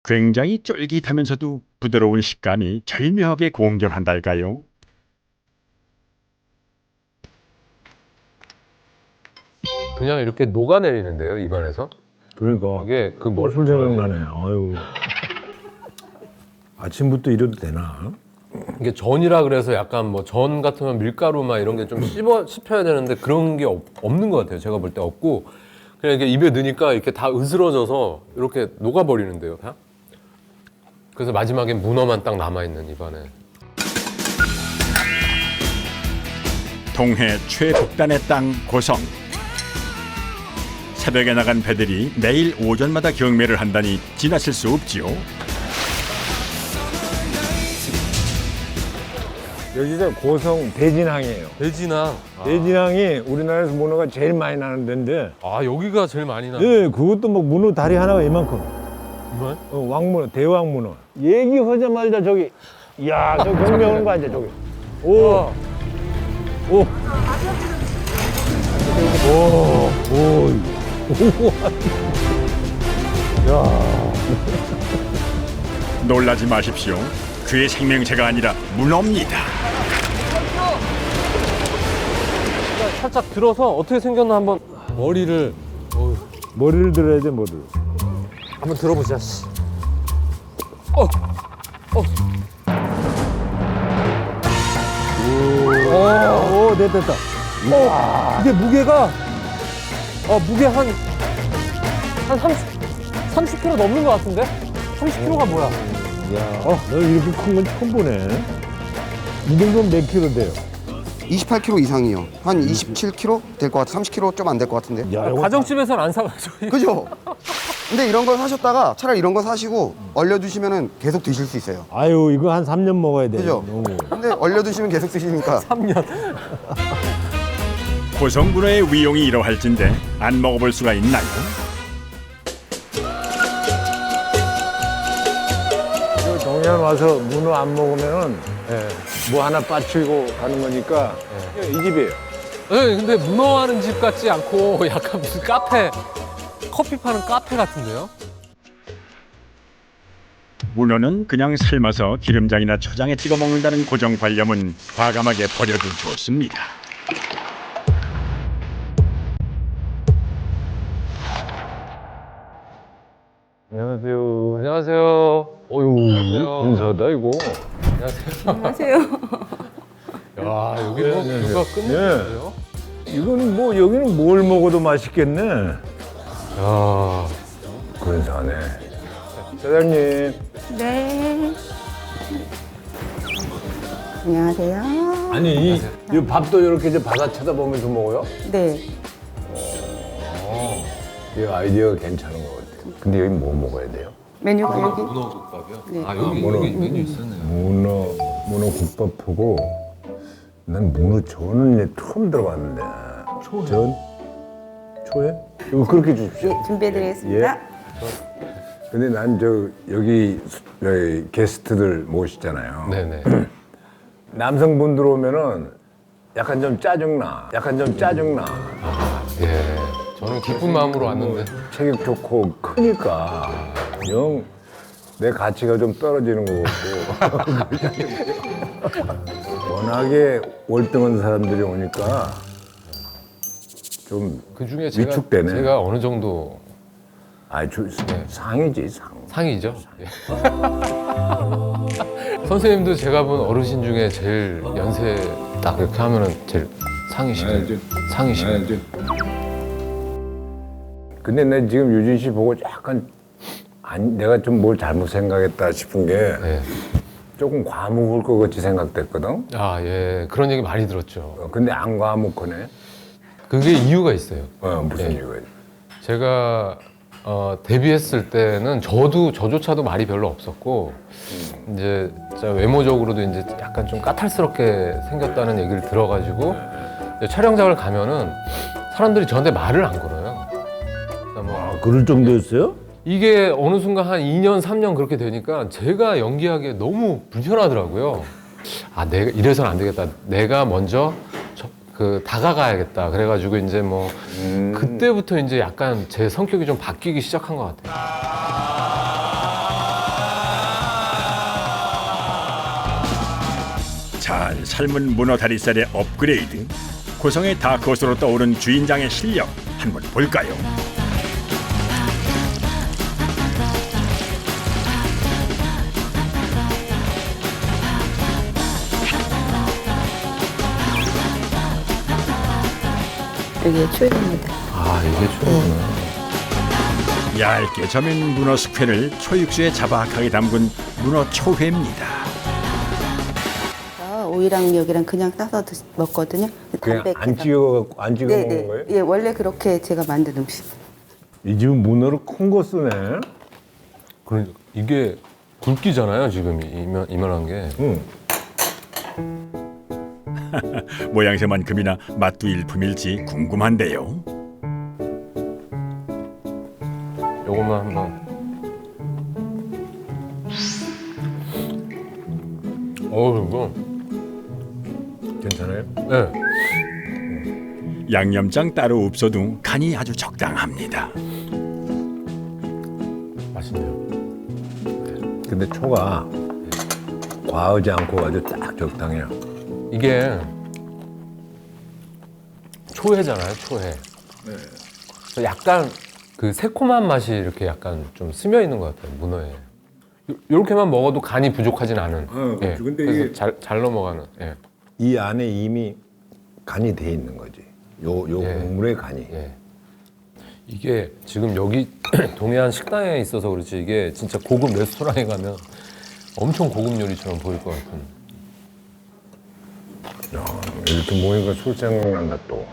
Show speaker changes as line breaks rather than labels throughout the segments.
굉장히 쫄깃하면서도 부드러운 식감이 절묘하게 공존한달까요?
그냥 이렇게 녹아내리는데요, 입안에서?
그러니까
이게 그 뭐,
술 생각나네. 아유. 아침부터 이래도 되나?
이게 전이라 그래서 약간 뭐 전 같으면 밀가루 막 이런 게 좀 씹혀야 되는데 그런 게 없는 것 같아요. 제가 볼 때 없고 그냥 이게 입에 넣으니까 이렇게 다 으스러져서 이렇게 녹아버리는데요, 다. 그래서 마지막에 문어만 딱 남아있는 입안에.
동해 최북단의 땅 고성. 새벽에 나간 배들이 매일 오전마다 경매를 한다니 지나칠 수 없지요.
여기가 고성 대진항이에요.
돼지나.
대진항이 우리나라에서 문어가 제일 많이 나는 데인데,
아, 여기가 제일 많이 나.
예, 그것도 뭐 문어 다리 하나가 이만큼.
정말?
왕문어, 대왕문어. 얘기하자마자 저기, 이야, 저 경매 오는 거 아니야, 저기. 오, 오. 오, 오.
놀라지 마십시오. 그의 생명체가 아니라 문어입니다.
살짝 들어서 어떻게 생겼나 한번 머리를
머리를 들어야 돼, 머리를.
한번 들어보자. 씨.
오, 됐다, 됐다.
이게 무게가 무게 한 30kg 넘는 것 같은데? 30kg가 뭐야?
야, 너 이렇게 큰 건 처음 보네. 이 정도면 몇 킬로 돼요?
28kg 이상이요. 한 27kg 될 것 같아. 30kg 좀 안 될 것 같은데.
야, 이거
가정집에서는 안 사가지고.
그죠? 근데 이런 거 사셨다가 차라리 이런 거 사시고 얼려두시면 계속 드실 수 있어요.
아유, 이거 한 3년 먹어야 돼.
그죠?
너무.
근데 얼려두시면 계속 드시니까
3년.
고성 문어의 위용이 이러할진데 안 먹어볼 수가 있나요?
저 동해안 와서 문어 안 먹으면은 뭐 하나 빠치고 가는 거니까 이 집이에요.
네, 근데 문어하는 집 같지 않고 약간 무슨 카페, 커피 파는 카페 같은데요?
문어는 그냥 삶아서 기름장이나 초장에 찍어 먹는다는 고정관념은 과감하게 버려도 좋습니다.
안녕하세요.
안녕하세요. 어유.
인사다 이거.
안녕하세요.
야, 여기 뭐 누가 끝내주세요?
이거는 뭐 여기는 뭘 먹어도 맛있겠네.
야,
근사하네. 사장님.
네. 안녕하세요.
아니 이 밥도 이렇게 이제 바다 쳐다보면서 먹어요?
네.
이 아이디어가 괜찮은 것 같아요. 근데 여기 뭐 먹어야 돼요?
메뉴가 여기.
문어국밥이요?
네.
아, 여기 메뉴 있었네요.
문어 국밥하고 난 문어 전은 이제 처음 들어봤는데. 전? 초에? 이거 그렇게 주십시오.
네, 준비해드리겠습니다.
근데 난 여기 게스트들 모시잖아요.
네네.
남성분들 오면은 약간 좀 짜증나.
예. 저는 기쁜 마음으로 왔는데.
체격 좋고 크니까 영 내 가치가 좀 떨어지는 것 같고 워낙에 월등한 사람들이 오니까 좀
그 중에
위축되네.
제가 어느 정도
상이지 상.
상이죠. 예. 선생님도 제가 본 어르신 중에 제일 연세 딱 이렇게 하면은 제일 상이시죠. 상이시죠.
근데 내 지금 유진 씨 보고 약간 내가 좀 뭘 잘못 생각했다 싶은 게
네.
조금 과묵을 것 같이 생각됐거든.
아, 예. 그런 얘기 많이 들었죠.
근데 안 과묵하네.
그게 이유가 있어요.
무슨
네.
이유가 있어?
제가 데뷔했을 때는 저조차도 말이 별로 없었고 이제 진짜 외모적으로도 이제 약간 좀 까탈스럽게 생겼다는 얘기를 들어가지고 이제 촬영장을 가면은 사람들이 저한테 말을 안 걸어요. 그러니까 뭐
그럴 정도였어요?
이게 어느 순간 한 2년, 3년 그렇게 되니까 제가 연기하기에 너무 불편하더라고요. 아, 내가 이래서는 안 되겠다. 내가 먼저 다가가야겠다. 그래가지고 이제 뭐 그때부터 이제 약간 제 성격이 좀 바뀌기 시작한 것 같아요.
잘 삶은 문어 다리살의 업그레이드. 고성의 다크호스로 떠오른 주인장의 실력 한번 볼까요?
여기 초입니다.
아, 이게 초구나.
얇게 저민 문어 숙회를 초육수에 자박하게 담근 문어 초회입니다.
오이랑 미역이랑 그냥 따서 먹거든요.
그냥 안
담백해서.
찍어 안 찍어
네네.
먹는 거예요?
예, 원래 그렇게 제가 만든 음식.
이 집은 문어를 큰 거 쓰네.
그러니까 이게 굵기잖아요, 지금 이만한 게.
응.
모양새만큼이나 맛도 일품일지 궁금한데요.
요것만 한번. 이거.
괜찮아요?
네.
양념장 따로 없어도 간이 아주 적당합니다.
맛있네요.
근데 초가 과하지 않고 아주 딱 적당해요.
이게 초회잖아요, 초회. 그래서 약간 그 새콤한 맛이 이렇게 약간 좀 스며 있는 것 같아요, 문어에. 요렇게만 먹어도 간이 부족하진 않은.
그렇죠. 근데
그래서
이게-
잘 넘어가는. 예.
이 안에 이미 간이 돼 있는 거지. 요
예.
국물의 간이.
예. 이게 지금 여기 동해안 식당에 있어서 그렇지 이게 진짜 고급 레스토랑에 가면 엄청 고급 요리처럼 보일 것 같은.
야, 이렇게 모니까 술 생각난다 또.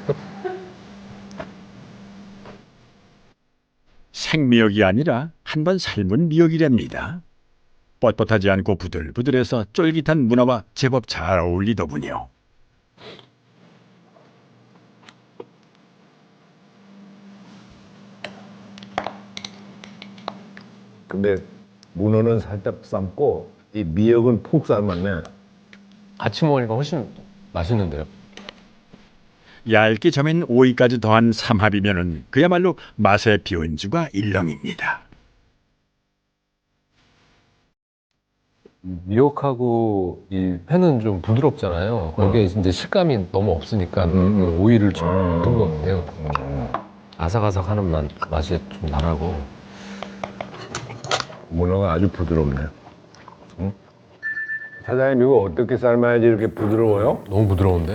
생미역이 아니라 한 번 삶은 미역이랍니다. 뻣뻣하지 않고 부들부들해서 쫄깃한 문어와 제법 잘 어울리더군요.
근데 문어는 살짝 삶고 이 미역은 푹 삶았네.
같이 먹으니까 훨씬 맛있는데요.
얇게 저민 오이까지 더한 삼합이면은 그야말로 맛의 비원주가 일렁입니다.
미역하고 이 회는 좀 부드럽잖아요. 거기에 이제 식감이 너무 없으니까 오이를 좀 넣은 것 같아요. 아삭아삭하는 맛이 좀 나라고.
문어가 아주 부드럽네. 응? 사장님 이거 어떻게 삶아야지 이렇게 부드러워요?
너무 부드러운데?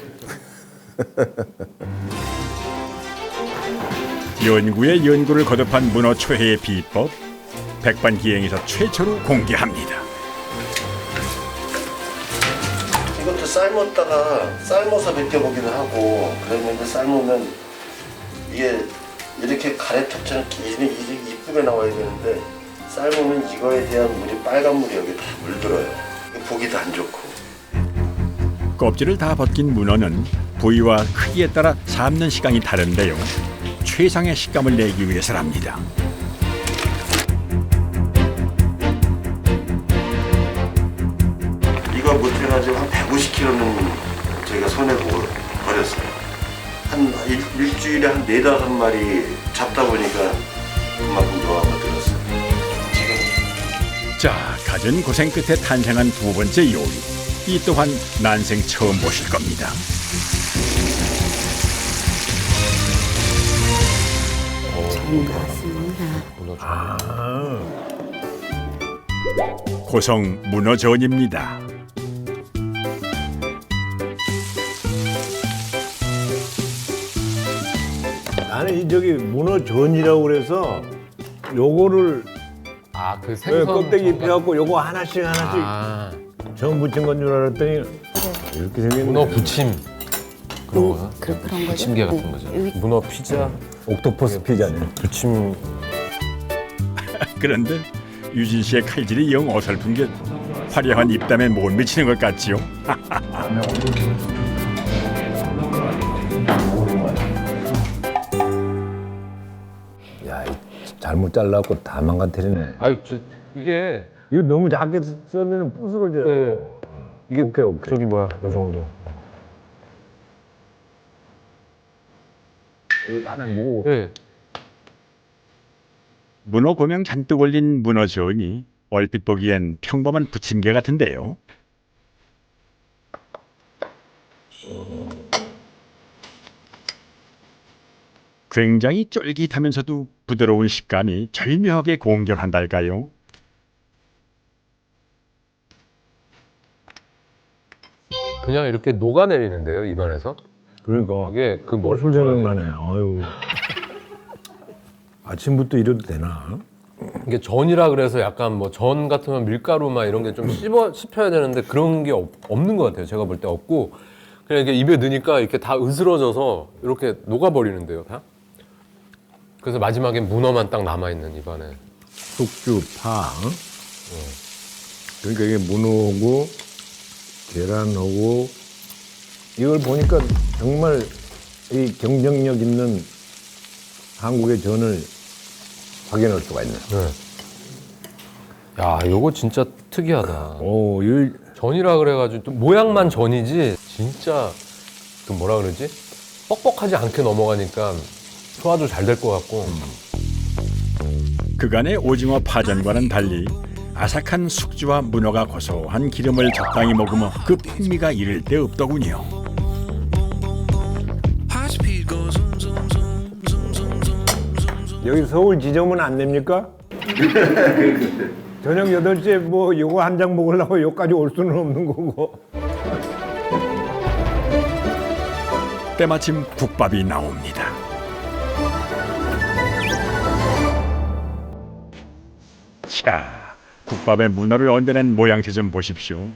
연구에 연구를 거듭한 문어 초회의 비법, 백반기행에서 최초로 공개합니다.
이것도 삶아서 벗겨보기도 하고 그랬는데 삶으면 이게 이렇게 가래톱처럼 이쁘게 나와야 되는데 삶으면 이거에 대한 물이 빨간 물이 여기 다 물들어요. 보기도 안 좋고.
껍질을 다 벗긴 문어는 부위와 크기에 따라 삶는 시간이 다른데요. 최상의 식감을 내기 위해서랍니다.
이거 못해가지고 한 150kg는 저희가 손해보고 버렸어요. 한 일주일에 한 4-5마리 잡다 보니까 그만큼 노하우가 들었어요. 지금
자, 갖은 고생 끝에 탄생한 두 번째 요리. 이 또한 난생 처음 보실 겁니다.
잘 나왔습니다.
문어 좀.
고성 문어전입니다.
나는 이 저기 문어전이라고 그래서 요거를
아, 그 생선
껍데기
전각-
입혀갖고 요거 하나씩
아,
전 부친 건 줄 알았더니 이렇게 생겼네.
문어 부침 그런 거야?
그런 거죠?
부침개 같은
네.
거죠.
여기-
문어 피자
옥토퍼스 피자네.
부침.
그런데 유진 씨의 칼질이 영 어설픈 게 화려한 입담에 못 미치는 것 같지요?
야, 잘못 잘라갖고 다 망가뜨리네.
아유, 이게
이거 너무 작게 썰면 부스러져.
네.
이게 오케이.
저기 뭐야, 이 정도.
하나 뭐
네.
문어 고명 잔뜩 올린 문어전이 얼핏 보기엔 평범한 부침개 같은데요. 굉장히 쫄깃하면서도 부드러운 식감이 절묘하게 공존한달까요?
그냥 이렇게 녹아내리는데요, 입안에서.
그러니까
이게 그 뭐,
술 생각나네. 아유. 아침부터 이래도 되나?
이게 전이라 그래서 약간 뭐 전 같으면 밀가루 막 이런 게 좀 씹혀야 되는데 그런 게 없는 것 같아요. 제가 볼 때 없고 그냥 이게 입에 넣으니까 이렇게 다 으스러져서 이렇게 녹아버리는데요, 다. 그래서 마지막에 문어만 딱 남아있는 입안에.
숙주, 파. 그러니까 이게 문어하고 계란하고 이걸 보니까 정말 이 경쟁력 있는 한국의 전을 확인할 수가 있네.
야, 이거 진짜 특이하다.
오, 이
전이라 그래가지고 또 모양만 전이지 진짜 그 뭐라 그러지? 뻑뻑하지 않게 넘어가니까 소화도 잘 될 것 같고.
그간의 오징어 파전과는 달리 아삭한 숙주와 문어가 고소한 기름을 적당히 머금어 그 풍미가 이를 데 없더군요.
여기 서울 지점은 안 됩니까? 저녁 8시에 뭐 요거 한 장 먹으려고 여기까지 올 수는 없는 거고.
때마침 국밥이 나옵니다. 자, 국밥에 문어를 얹어낸 모양새 좀 보십시오.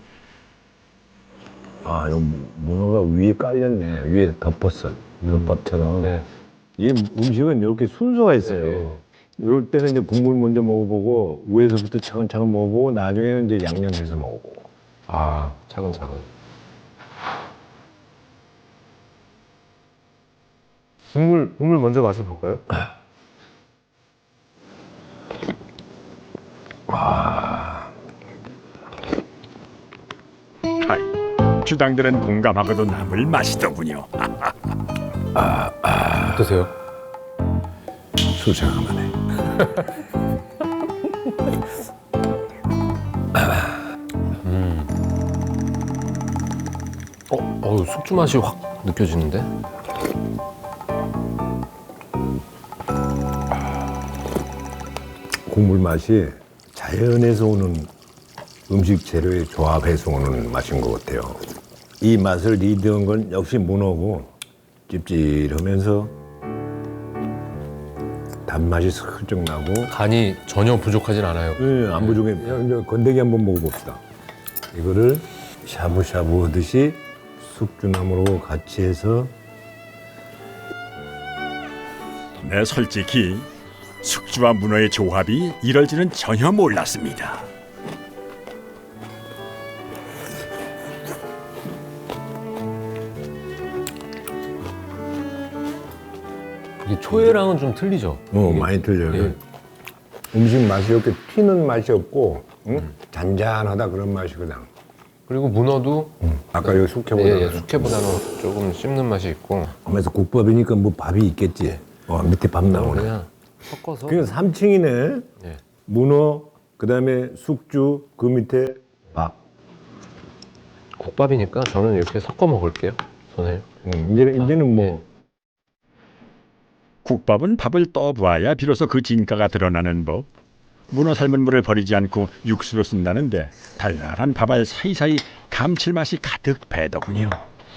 아, 요 문어가 위에 깔렸네. 위에 덮었어. 덮밥처럼.
네.
이 음식은 이렇게 순서가 있어요. 이럴 때는 이제 국물 먼저 먹어보고 위에서부터 차근차근 먹어보고 나중에는 이제 양념해서 먹어보고.
아, 차근차근. 국물 먼저 가서 볼까요?
하이, 주당들은 공감하고도 남을 맛이더군요.
어떠세요?
수상하네.
숙주 맛이 확 느껴지는데?
국물 맛이 자연에서 오는 음식 재료의 조합해서 오는 맛인 것 같아요. 이 맛을 리드한 건 역시 문어고 찝찝하면서 단맛이 슬쩍 나고
간이 전혀 부족하진 않아요.
안 부족해. 이제 건더기 한번 먹어봅시다. 이거를 샤브샤브 하듯이 숙주나물하고 같이 해서
네, 솔직히 숙주와 문어의 조합이 이럴 줄은 전혀 몰랐습니다.
이게 초회랑은 좀 틀리죠?
많이 틀려요.
예.
음식 맛이 이렇게 튀는 맛이 없고 응? 잔잔하다 그런 맛이거든.
그리고 문어도
아까 여기 숙회보다
예, 숙회보다는 조금 씹는 맛이 있고
하면서 국밥이니까 뭐 밥이 있겠지. 밑에 밥 나오네.
그냥 섞어서
그게 3층이네.
예.
문어, 그다음에 숙주, 그 밑에 밥.
국밥이니까 저는 이렇게 섞어 먹을게요. 선생님.
이제는 뭐
국밥은 밥을 떠부어야 비로소 그 진가가 드러나는 법. 문어 삶은 물을 버리지 않고 육수로 쓴다는데 달달한 밥알 사이사이 감칠맛이 가득 배더군요.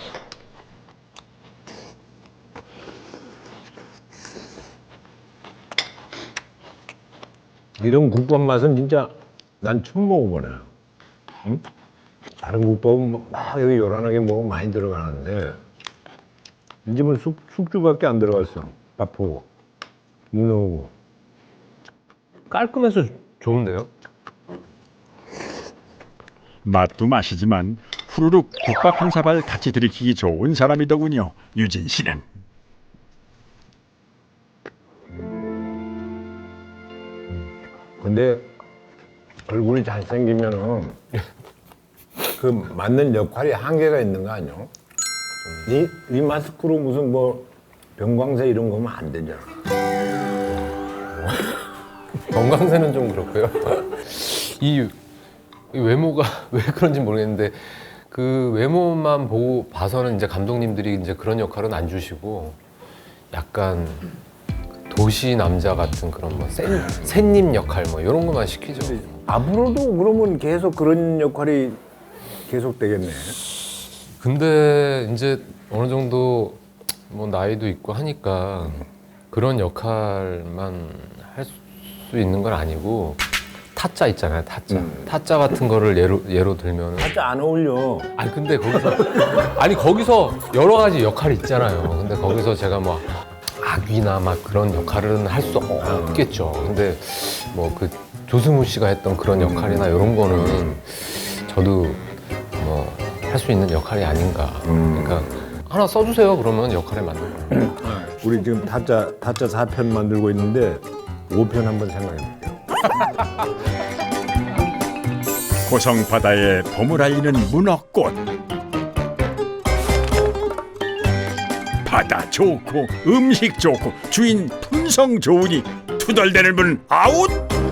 이런 국밥 맛은 진짜 난 처음 먹어보네. 응? 다른 국밥은 막 여기 요란하게 먹으면 많이 들어가는데 이 집은 숙주밖에 안 들어갔어. 밥하고 문어하고.
깔끔해서 좋은데요?
맛도 맛이지만 후루룩 국밥 한 사발 같이 들이키기 좋은 사람이더군요. 유진 씨는.
근데 얼굴이 잘생기면은 그 맞는 역할이 한계가 있는 거 아니야? 이 마스크로 무슨 뭐 병광세 이런 거 하면 안 되잖아.
건강세는 좀 그렇고요. 이 외모가 왜 그런지 모르겠는데 그 외모만 보고 봐서는 이제 감독님들이 이제 그런 역할은 안 주시고 약간 도시 남자 같은 그런 뭐 샌님 역할 뭐 이런 것만 시키죠.
앞으로도 그러면 계속 그런 역할이 계속 되겠네.
근데 이제 어느 정도 뭐 나이도 있고 하니까 그런 역할만 할 수 있는 건 아니고 타짜 있잖아요. 타짜 같은 거를 예로 들면
진짜 안 어울려.
아니 근데 거기서 여러 가지 역할이 있잖아요. 근데 거기서 제가 뭐 악귀나 막 그런 역할은 할 수 없겠죠. 근데 뭐 그 조승우 씨가 했던 그런 역할이나 이런 거는 저도 뭐 할 수 있는 역할이 아닌가. 그러니까 하나 써주세요. 그러면 역할에 맞는 거.
우리 지금 타짜 4편 만들고 있는데 5편 한번 생각해 볼게요.
고성 바다에 봄을 알리는 문어꽃. 바다 좋고 음식 좋고 주인 품성 좋으니 투덜대는 분 아웃.